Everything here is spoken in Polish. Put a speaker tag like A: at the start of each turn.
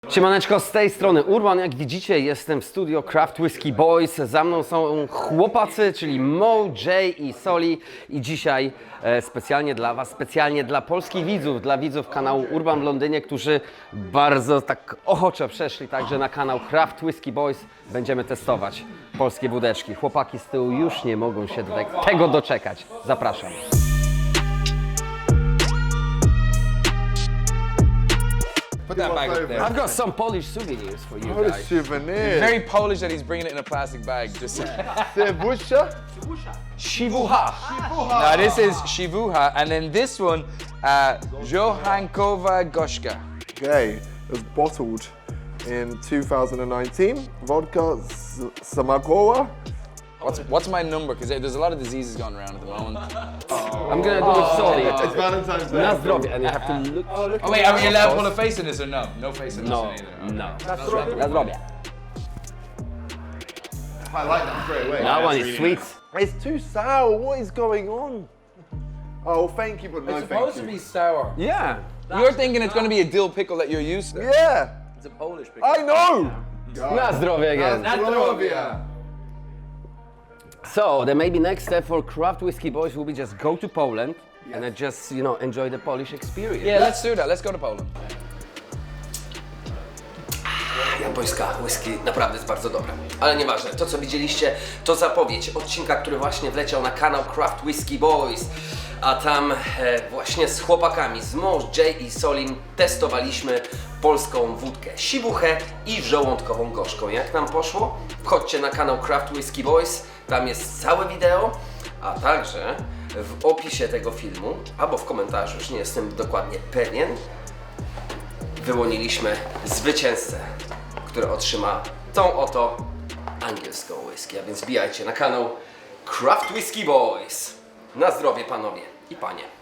A: Siemaneczko, z tej strony Urban. Jak widzicie, jestem w studio Craft Whisky Boys. Za mną są chłopacy, czyli Mo, Jay i Soli. I dzisiaj specjalnie dla Was, specjalnie dla polskich widzów, dla widzów kanału Urban w Londynie, którzy bardzo tak ochoczo przeszli także na kanał Craft Whisky Boys. Będziemy testować polskie wódeczki. Chłopaki z tyłu już nie mogą się tego doczekać. Zapraszam.
B: Put that bag up there.
A: I've got some Polish souvenirs for you
C: What a
A: guys.
C: souvenir.
B: Very Polish that he's bringing it in a plastic bag. Just
C: Sewusha?
A: Shibuha.
B: now this is Shivuha, and then this one, Johankova Goshka.
C: Okay, it was bottled in 2019. Vodka Samagowa.
B: What's my number? Because there's a lot of diseases going around at the moment.
A: I'm gonna do it Soli.
C: It's Valentine's Day.
A: Na zdrowie, and you have to look.
B: Oh wait, are we allowed to pull a face in this or no? No face in this
A: No,
B: one either.
A: no. Na zdrowie.
C: I like that straight away.
A: That one is sweet.
C: It's too sour. What is going on? Oh, thank you, but no thank you.
B: sour.
A: Yeah.
B: You're thinking it's going to be a dill pickle that you're used to.
C: Yeah,
D: It's a Polish pickle.
C: I know.
A: Na zdrowie again.
C: Zdrowia.
A: So the maybe next step for Craft Whisky Boys will be just go to Poland and then just enjoy the Polish experience.
B: Yeah, let's do that. Let's go to Poland.
E: Japońska whisky naprawdę jest bardzo dobra. Ale nieważne, to co widzieliście to zapowiedź odcinka, który właśnie wleciał na kanał Craft Whisky Boys. A tam właśnie z chłopakami, z Mo, Jay i Solim testowaliśmy polską wódkę Sibuchę i żołądkową gorzką. Jak nam poszło? Wchodźcie na kanał Craft Whisky Boys, tam jest całe wideo, a także w opisie tego filmu, albo w komentarzu, już nie jestem dokładnie pewien, wyłoniliśmy zwycięzcę, który otrzyma tą oto angielską whisky. A więc wbijajcie na kanał Craft Whisky Boys. Na zdrowie panowie i panie.